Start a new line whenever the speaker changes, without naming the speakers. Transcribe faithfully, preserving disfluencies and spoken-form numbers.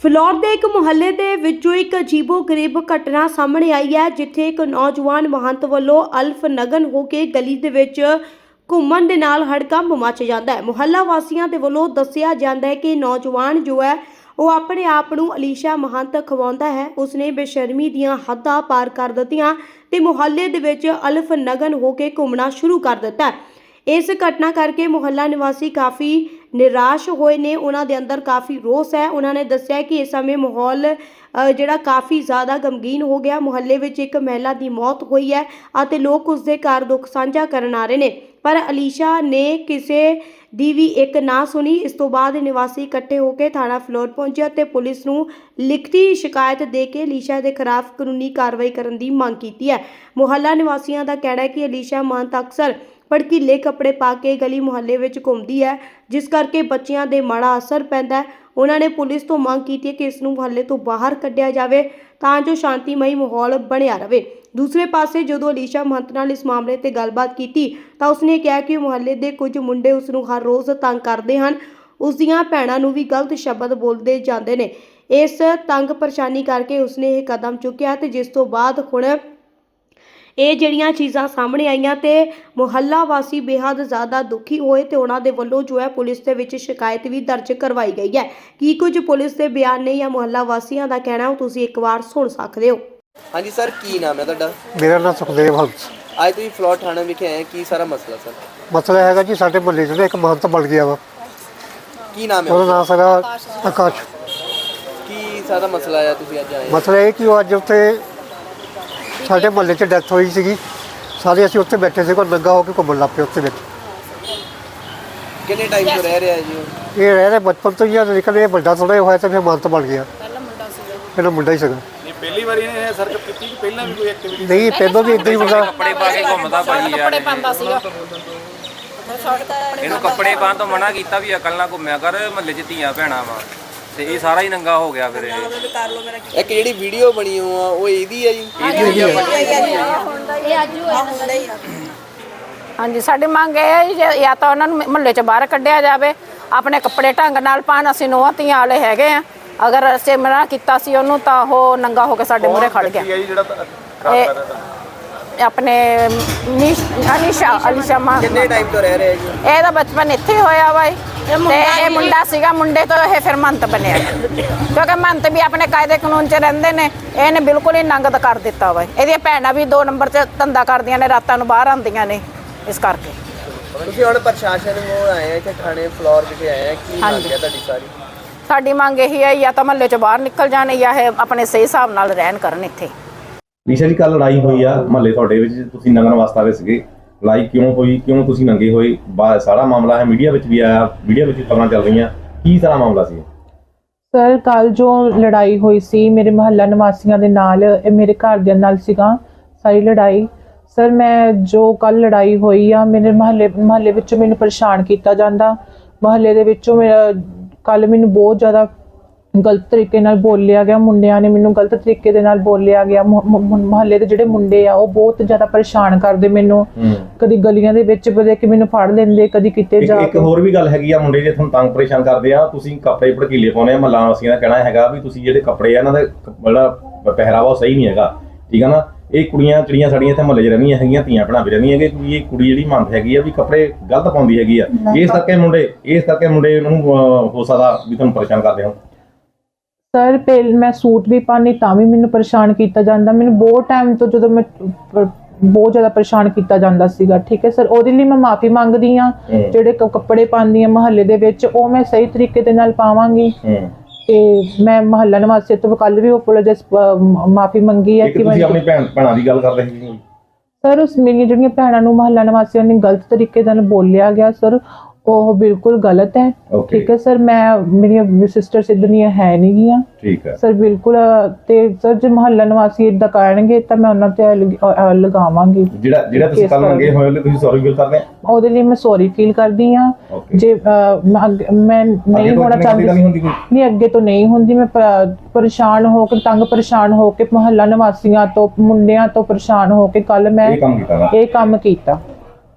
ਫਿਲੌਰ ਦੇ ਇੱਕ ਮੁਹੱਲੇ ਦੇ ਵਿੱਚੋਂ ਇੱਕ ਅਜੀਬੋ-ਗਰੀਬ ਘਟਨਾ ਸਾਹਮਣੇ ਆਈ ਹੈ, ਜਿੱਥੇ ਇੱਕ ਨੌਜਵਾਨ ਮਹੰਤ ਵੱਲੋਂ ਅਲਫ ਨਗਨ ਹੋ ਕੇ ਗਲੀ ਦੇ ਵਿੱਚ ਘੁੰਮਣ ਦੇ ਨਾਲ ਹੜਕੰਪ ਮਚ ਜਾਂਦਾ ਹੈ। ਮੁਹੱਲਾ ਵਾਸੀਆਂ ਦੇ ਵੱਲੋਂ ਦੱਸਿਆ ਜਾਂਦਾ ਹੈ ਕਿ ਨੌਜਵਾਨ ਜੋ ਹੈ ਉਹ ਆਪਣੇ ਆਪ ਨੂੰ ਅਲੀਸ਼ਾ ਮਹੰਤ ਖਵਾਉਂਦਾ ਹੈ। ਉਸਨੇ ਬੇਸ਼ਰਮੀ ਦੀਆਂ ਹੱਦਾਂ ਪਾਰ ਕਰ ਦਿੱਤੀਆਂ ਤੇ ਮੁਹੱਲੇ ਦੇ ਵਿੱਚ ਅਲਫ ਨਗਨ ਹੋ ਕੇ ਘੁੰਮਣਾ ਸ਼ੁਰੂ ਕਰ ਦਿੱਤਾ। ਇਸ ਘਟਨਾ ਕਰਕੇ ਮੁਹੱਲਾ ਨਿਵਾਸੀ ਕਾਫੀ ਨਿਰਾਸ਼ ਹੋਏ ਨੇ। ਉਹਨਾਂ ਦੇ ਅੰਦਰ ਕਾਫੀ ਰੋਸ ਹੈ। ਉਹਨਾਂ ਨੇ ਦੱਸਿਆ ਕਿ ਇਸ ਸਮੇਂ ਮਾਹੌਲ ਜਿਹੜਾ ਕਾਫੀ ਜ਼ਿਆਦਾ ਗਮਗੀਨ ਹੋ ਗਿਆ। ਮੁਹੱਲੇ ਵਿੱਚ ਇੱਕ ਮਹਿਲਾ ਦੀ ਮੌਤ ਹੋਈ ਹੈ ਅਤੇ ਲੋਕ ਉਸ ਦੇ ਘਰ ਦੁੱਖ ਸਾਂਝਾ ਕਰਨ ਆ ਰਹੇ ਨੇ, ਪਰ ਅਲੀਸ਼ਾ ਨੇ ਕਿਸੇ ਦੀ ਵੀ ਇੱਕ ਨਾ ਸੁਣੀ। ਇਸ ਤੋਂ ਬਾਅਦ ਨਿਵਾਸੀ ਇਕੱਠੇ ਹੋ ਕੇ ਥਾਣਾ ਫਿਲੌਰ ਪਹੁੰਚੇ ਅਤੇ ਪੁਲਿਸ ਨੂੰ ਲਿਖਤੀ ਸ਼ਿਕਾਇਤ ਦੇ ਕੇ ਅਲੀਸ਼ਾ ਦੇ ਖਿਲਾਫ ਕਾਨੂੰਨੀ ਕਾਰਵਾਈ ਕਰਨ ਦੀ ਮੰਗ ਕੀਤੀ ਹੈ। ਮੁਹੱਲਾ ਨਿਵਾਸੀਆਂ ਦਾ ਕਹਿਣਾ ਹੈ ਕਿ ਅਲੀਸ਼ਾ ਮਹੰਤ ਅਕਸਰ ਭੜਕੀਲੇ ਕੱਪੜੇ ਪਾ ਕੇ ਗਲੀ ਮੁਹੱਲੇ ਵਿੱਚ ਘੁੰਮਦੀ ਹੈ, ਜਿਸ ਕਰਕੇ ਬੱਚਿਆਂ ਦੇ ਮਾੜਾ ਅਸਰ ਪੈਂਦਾ ਹੈ। ਉਹਨਾਂ ਨੇ ਪੁਲਿਸ ਤੋਂ ਮੰਗ ਕੀਤੀ ਹੈ ਕਿ ਇਸ ਨੂੰ ਮੁਹੱਲੇ ਤੋਂ ਬਾਹਰ ਕੱਢਿਆ ਜਾਵੇ ਤਾਂ ਜੋ ਸ਼ਾਂਤੀਮਈ ਮਾਹੌਲ ਬਣਿਆ ਰਹੇ। ਦੂਸਰੇ ਪਾਸੇ ਜਦੋਂ ਅਲੀਸ਼ਾ ਮਹੰਤ ਨਾਲ ਇਸ ਮਾਮਲੇ ਤੇ ਗੱਲਬਾਤ ਕੀਤੀ ਤਾਂ ਉਸਨੇ ਕਿਹਾ ਕਿ ਮੁਹੱਲੇ ਦੇ ਕੁਝ ਮੁੰਡੇ ਉਸ ਨੂੰ ਹਰ ਰੋਜ਼ ਤੰਗ ਕਰਦੇ ਹਨ। ਉਸ ਦੀਆਂ ਭੈਣਾਂ ਨੂੰ ਵੀ ਗਲਤ ਸ਼ਬਦ ਬੋਲਦੇ ਜਾਂਦੇ ਨੇ। ਇਸ ਤੰਗ ਪਰੇਸ਼ਾਨੀ ਕਰਕੇ ਉਸਨੇ ਇਹ ਕਦਮ ਚੁੱਕਿਆ ਤੇ ਜਿਸ ਤੋਂ ਬਾਅਦ ਹੁਣ ਇਹ ਜਿਹੜੀਆਂ ਚੀਜ਼ਾਂ ਸਾਹਮਣੇ ਆਈਆਂ ਤੇ ਮੁਹੱਲਾ ਵਾਸੀ ਬੇहद ਜ਼ਿਆਦਾ ਦੁਖੀ ਹੋਏ ਤੇ ਉਹਨਾਂ ਦੇ ਵੱਲੋਂ ਜੋ ਹੈ ਪੁਲਿਸ ਦੇ ਵਿੱਚ ਸ਼ਿਕਾਇਤ ਵੀ ਦਰਜ ਕਰਵਾਈ ਗਈ ਹੈ। ਕੀ ਕੁਝ ਪੁਲਿਸ ਦੇ ਬਿਆਨ ਨੇ ਜਾਂ ਮੁਹੱਲਾ ਵਾਸੀਆਂ ਦਾ ਕਹਿਣਾ ਉਹ ਤੁਸੀਂ ਇੱਕ ਵਾਰ ਸੁਣ ਸਕਦੇ ਹੋ।
ਹਾਂਜੀ ਸਰ, ਕੀ ਨਾਮ ਹੈ ਤੁਹਾਡਾ?
ਮੇਰਾ ਨਾਮ ਸੁਖਦੇਵ ਹੰਸ।
ਅੱਜ ਤੁਸੀਂ ਫਿਲੌਰ ਥਾਣੇ ਵਿਖੇ ਆਏ, ਕੀ ਸਾਰਾ ਮਸਲਾ ਸਰ?
ਮਸਲਾ ਹੈਗਾ ਜੀ, ਸਾਡੇ ਮੁਹੱਲੇ 'ਚ ਇੱਕ ਮਹੰਤ ਬਣ ਗਿਆ ਵਾ।
ਕੀ ਨਾਮ ਹੈ
ਉਹਦਾ ਨਾਮ ਸੀਗਾ ਆਕਾਸ਼।
ਕੀ ਸਾਰਾ ਮਸਲਾ ਹੈ ਤੁਸੀਂ ਅੱਜ ਆਏ?
ਮਸਲਾ ਇਹ ਕਿ ਉਹ ਅੱਜ ਉੱਥੇ ਸਾਡੇ ਮੁਹੱਲੇ 'ਚ ਡੈਥ ਹੋਈ ਸੀਗੀ। ਸਾਰੇ ਅਸੀਂ ਉੱਥੇ ਬੈਠੇ ਸੀ, ਕੋਈ ਨੰਗਾ ਹੋ ਕੇ ਘੁੰਮਣ ਲੱਗ ਪਏ ਉੱਥੇ ਵਿੱਚ।
ਕਿੰਨੇ ਟਾਈਮ ਤੋਂ ਰਹਿ ਰਿਹਾ ਜੀ ਉਹ?
ਇਹ ਰਹਿ ਰਿਹਾ ਬਚਪਨ ਤੋਂ ਹੀ ਆ, ਲੇਕਿਨ ਇਹ ਵੱਡਾ ਥੋੜ੍ਹਾ ਹੋਇਆ ਤਾਂ ਫਿਰ ਮਹੰਤ ਬਣ ਗਿਆ। ਪਹਿਲਾਂ ਮੁੰਡਾ ਸੀਗਾ। ਪਹਿਲਾਂ ਮੁੰਡਾ ਹੀ ਸੀਗਾ।
ਪਹਿਲੀ ਵਾਰੀ ਇਹਨੇ ਸਰਕਟ ਕੀਤੀ ਕਿ ਪਹਿਲਾਂ ਵੀ ਕੋਈ ਐਕਟੀਵਿਟੀ?
ਨਹੀਂ, ਪਹਿਲਾਂ ਵੀ ਇੱਦਾਂ ਹੀ ਮੁੰਡਾ
ਕੱਪੜੇ ਪਾ ਕੇ ਘੁੰਮਦਾ ਭਾਜੀ ਯਾਰ।
ਕੱਪੜੇ ਪਾਉਂਦਾ ਸੀਗਾ।
ਇਹਨੂੰ ਕੱਪੜੇ ਪਾਉਣ ਤੋਂ ਮਨਾ ਕੀਤਾ ਵੀ ਅਕਲ ਨਾਲ ਘੁੰਮਿਆ ਕਰ, ਮਹੱਲੇ 'ਚ ਧੀਆਂ ਭੈਣਾਂ ਵਾ, ਤੇ ਇਹ ਸਾਰਾ ਹੀ ਨੰਗਾ ਹੋ ਗਿਆ। ਫਿਰ ਇਹ
ਇੱਕ ਜਿਹੜੀ ਵੀਡੀਓ ਬਣੀ ਹੋ ਆ ਉਹ ਇਹਦੀ ਹੈ ਜੀ?
ਹਾਂਜੀ, ਸਾਡੀ ਮੰਗ ਇਹ ਹੈ ਜੀ, ਜਾਂ ਤਾਂ ਉਹਨਾਂ ਨੂੰ ਮੁਹੱਲੇ 'ਚ ਬਾਹਰ ਕੱਢਿਆ ਜਾਵੇ, ਆਪਣੇ ਕੱਪੜੇ ਢੰਗ ਨਾਲ ਪਾਉਣ। ਅਸੀਂ ਨੂੰਹਾਂ ਧੀਆਂ ਵਾਲੇ ਹੈਗੇ ਆ। ਅਗਰ ਅਸੀਂ ਮਨਾ ਕੀਤਾ ਸੀ ਉਹਨੂੰ ਤਾਂ ਉਹ ਨੰਗਾ ਹੋ ਕੇ ਸਾਡੇ ਮੂਹਰੇ ਖੜ ਗਿਆ। ਆਪਣੇ ਅਲੀਸ਼ਾ ਅਲੀਸ਼ਾ ਮਾਂ।
ਕਿੰਨੇ ਟਾਈਮ ਤੋਂ ਰਹਿ ਰਿਹਾ ਜੀ?
ਇਹਦਾ ਬਚਪਨ ਇੱਥੇ ਹੋਇਆ ਵਾ ਤੇ ਇਹ ਮੁੰਡਾ ਸੀਗਾ। ਮੁੰਡੇ ਤੋਂ ਇਹ ਫਿਰ ਮੰਤ ਬਣਿਆ, ਕਿਉਂਕਿ ਮੰਤ ਵੀ ਆਪਣੇ ਕਾਇਦੇ ਕਾਨੂੰਨ 'ਚ ਰਹਿੰਦੇ ਨੇ। ਇਹਨੇ ਬਿਲਕੁਲ ਹੀ ਨੰਗਤ ਕਰ ਦਿੱਤਾ ਵਾ। ਇਹਦੀਆਂ ਭੈਣਾਂ ਵੀ ਦੋ ਨੰਬਰ 'ਚ ਧੰਦਾ ਕਰਦੀਆਂ ਨੇ, ਰਾਤਾਂ ਨੂੰ ਬਾਹਰ ਆਉਂਦੀਆਂ ਨੇ। ਇਸ ਕਰਕੇ
ਤੁਸੀਂ ਹੁਣ ਪ੍ਰਸ਼ਾਸਨ ਨੂੰ ਆਏ ਆ, ਇੱਥੇ ਥਾਣੇ ਫਿਲੌਰ ਵਿਖੇ ਆਏ ਆ, ਕੀ ਮੰਗ ਹੈ ਤੁਹਾਡੀ ਸਾਰੀ?
ਸਾਡੀ ਮੰਗ ਇਹੀ ਹੈ, ਜਾਂ ਤਾਂ ਮਹੱਲੇ 'ਚੋਂ ਬਾਹਰ ਨਿਕਲ ਜਾਣ ਜਾਂ ਇਹ ਆਪਣੇ ਸਹੀ ਹਿਸਾਬ ਨਾਲ ਰਹਿਣ ਕਰਨ ਇੱਥੇ।
ਲੀਸ਼ਾ ਜੀ, ਕੱਲ ਲੜਾਈ ਹੋਈ ਆ ਮਹੱਲੇ ਤੁਹਾਡੇ ਵਿੱਚ, ਤੁਸੀਂ ਨੰਗਣ ਵਾਸਤੇ ਆਏ ਸੀਗੇ। ਲੜਾਈ ਕਿਉਂ ਹੋਈ, ਕਿਉਂ ਤੁਸੀਂ ਨੰਗੇ ਹੋਏ? ਸਾਰਾ ਮਾਮਲਾ ਹੈ, ਮੀਡੀਆ ਵਿੱਚ ਵੀ ਆਇਆ, ਮੀਡੀਆ ਵਿੱਚ ਖਬਰਾਂ ਚੱਲ ਰਹੀਆਂ, ਕੀ ਸਾਰਾ ਮਾਮਲਾ ਸੀ?
ਸਰ, ਕੱਲ ਜੋ ਲੜਾਈ ਹੋਈ ਸੀ ਮੇਰੇ ਮੁਹੱਲਾ ਨਿਵਾਸੀਆਂ ਦੇ ਨਾਲ, ਇਹ ਮੇਰੇ ਘਰ ਦੇ ਨਾਲ ਸੀਗਾ ਸਾਰੀ ਲੜਾਈ। ਸਰ, ਮੈਂ ਜੋ ਕੱਲ ਲੜਾਈ ਹੋਈ ਆ, ਮੇਰੇ ਮੁਹੱਲੇ ਮੁਹੱਲੇ ਵਿੱਚੋਂ ਮੈਨੂੰ ਪਰੇਸ਼ਾਨ ਕੀਤਾ ਜਾਂਦਾ। ਮੁਹੱਲੇ ਦੇ ਵਿੱਚੋਂ ਮੇਰਾ ਕੱਲ ਮੈਨੂੰ ਬਹੁਤ ਜ਼ਿਆਦਾ ਗਲਤ ਤਰੀਕੇ ਨਾਲ ਬੋਲਿਆ ਗਿਆ। ਮੁੰਡਿਆਂ ਨੇ ਮੈਨੂੰ ਗਲਤ ਤਰੀਕੇ ਦੇ ਨਾਲ ਬੋਲਿਆ ਗਿਆ। ਮੁਹੱਲੇ ਦੇ ਜਿਹੜੇ ਮੁੰਡੇ ਆ ਉਹ ਬਹੁਤ ਜ਼ਿਆਦਾ ਪਰੇਸ਼ਾਨ ਕਰਦੇ ਮੈਨੂੰ। ਕਦੀ ਗਲੀਆਂ ਦੇ ਵਿੱਚ ਬਦੇ ਕਿ ਮੈਨੂੰ ਫੜ ਲੈਂਦੇ, ਕਦੀ ਕਿਤੇ ਜਾ ਕੇ।
ਇੱਕ ਹੋਰ ਵੀ ਗੱਲ ਹੈਗੀ ਆ, ਮੁੰਡੇ ਜੇ ਤੁਹਾਨੂੰ ਤੰਗ ਪਰੇਸ਼ਾਨ ਕਰਦੇ ਆ, ਤੁਸੀਂ ਕੱਪੜੇ ਭੜਕੀਲੇ ਪਾਉਂਦੇ ਆ। ਮਹੱਲਾ ਵਾਸੀਆਂ ਦਾ ਕਹਿਣਾ ਹੈਗਾ ਵੀ ਤੁਸੀਂ ਜਿਹੜੇ ਕੱਪੜੇ ਆ ਇਹਨਾਂ ਦਾ ਜਿਹੜਾ ਪਹਿਰਾਵਾ ਉਹ ਸਹੀ ਨਹੀਂ ਹੈਗਾ, ਠੀਕ ਆ ਨਾ। ਇਹ ਕੁੜੀਆਂ ਚਿੜੀਆਂ ਸਾਡੀਆਂ ਇੱਥੇ ਮੁਹੱਲੇ 'ਚ ਰਹਿੰਦੀਆਂ ਹੈਗੀਆਂ, ਧੀਆਂ ਭੈਣਾਂ ਵੀ ਰਹਿੰਦੀਆਂ ਹੈਗੀਆਂ, ਕਿ ਇਹ ਕੁੜੀ ਜਿਹੜੀ ਮੰਨਦ ਹੈਗੀ ਆ ਵੀ ਕੱਪੜੇ ਗਲਤ ਪਾਉਂਦੀ ਹੈਗੀ ਆ। ਇਸ ਕਰਕੇ ਮੁੰਡੇ ਇਸ ਕਰਕੇ ਮੁੰਡੇ ਨੂੰ ਹੋ ਸਕਦਾ ਵੀ ਤੁਹਾਨੂੰ ਪਰੇਸ਼ਾਨ ਕਰਦੇ ਹੋ।
ਸਰ, ਪਹਿਲ ਮੈਂ ਸੂਟ ਵੀ ਪਾਉਂਦੀ ਤਾਂ ਵੀ ਮੈਨੂੰ ਪਰੇਸ਼ਾਨ ਕੀਤਾ ਜਾਂਦਾ। ਮੈਨੂੰ ਬਹੁਤ ਟਾਈਮ ਤੋਂ ਜਦੋਂ ਮੈਂ ਬਹੁਤ ਜ਼ਿਆਦਾ ਪਰੇਸ਼ਾਨ ਕੀਤਾ ਜਾਂਦਾ ਸੀਗਾ, ਠੀਕ ਹੈ ਸਰ। ਉਹਦੇ ਲਈ ਮੈਂ ਮਾਫੀ ਮੰਗਦੀ ਹਾਂ। ਜਿਹੜੇ ਕੱਪੜੇ ਪਾਉਂਦੀ ਹਾਂ ਮੁਹੱਲੇ ਦੇ ਵਿੱਚ, ਉਹ ਮੈਂ ਸਹੀ ਤਰੀਕੇ ਦੇ ਨਾਲ ਪਾਵਾਂਗੀ। ਤੇ ਮੈਂ ਮੁਹੱਲਾ ਨਿਵਾਸੀ ਤੋਂ ਕੱਲ ਵੀ ਅਪੋਲੋਜਾਈਜ਼ ਮਾਫੀ ਮੰਗੀ ਹੈ ਕਿ ਮੈਂ
ਆਪਣੀ ਭੈਣ ਭੈਣਾਂ ਦੀ ਗੱਲ ਕਰ ਰਹੇ ਸੀ
ਸਰ। ਉਸ ਮੇਰੀਆਂ ਜਿਹੜੀਆਂ ਭੈਣਾਂ ਨੂੰ ਮੁਹੱਲਾ ਨਿਵਾਸੀਆਂ ਨੇ ਗਲਤ ਤਰੀਕੇ ਨਾਲ ਬੋਲਿਆ ਗਿਆ ਸਰ, ਉਹ ਬਿਲਕੁਲ ਗਲਤ ਹੈ, ਠੀਕ ਹੈ ਸਰ। ਮੈਂ ਮੇਰੀਆਂ ਸਿਸਟਰ ਸਿੱਧਨੀਆਂ ਹੈ ਨਹੀਂ ਗੀਆਂ,
ਠੀਕ ਹੈ
ਸਰ, ਬਿਲਕੁਲ। ਤੇ ਸਰ, ਜੇ ਮੁਹੱਲਾ ਨਿਵਾਸੀ ਏਦਾਂ ਕਰਨਗੇ ਤਾਂ ਮੈਂ ਉਹਨਾਂ ਤੇ ਲਗਾਵਾਂਗੀ।
ਜਿਹੜਾ ਜਿਹੜਾ ਤੁਸੀਂ ਕੱਲ ਮੰਗੇ ਹੋਏ ਉਹਦੇ ਤੁਸੀਂ ਸੌਰੀ ਫੀਲ ਕਰਦੇ ਆ?
ਉਹਦੇ ਲਈ ਮੈਂ ਸੌਰੀ ਫੀਲ ਕਰਦੀ ਹਾਂ। ਜੇ ਮੈਂ ਨਹੀਂ ਹੋਣਾ ਚਾਹੁੰਦੀ, ਨਹੀਂ ਅੱਗੇ ਤੋਂ ਨਹੀਂ ਹੁੰਦੀ। ਮੈਂ ਪਰੇਸ਼ਾਨ ਹੋ ਕੇ, ਤੰਗ ਪਰੇਸ਼ਾਨ ਹੋ ਕੇ, ਮੁਹੱਲਾ ਨਿਵਾਸੀਆਂ ਤੋਂ, ਮੁੰਡਿਆਂ ਤੋਂ ਪਰੇਸ਼ਾਨ ਹੋ ਕੇ ਕੱਲ ਮੈਂ ਇਹ ਕੰਮ ਕੀਤਾ।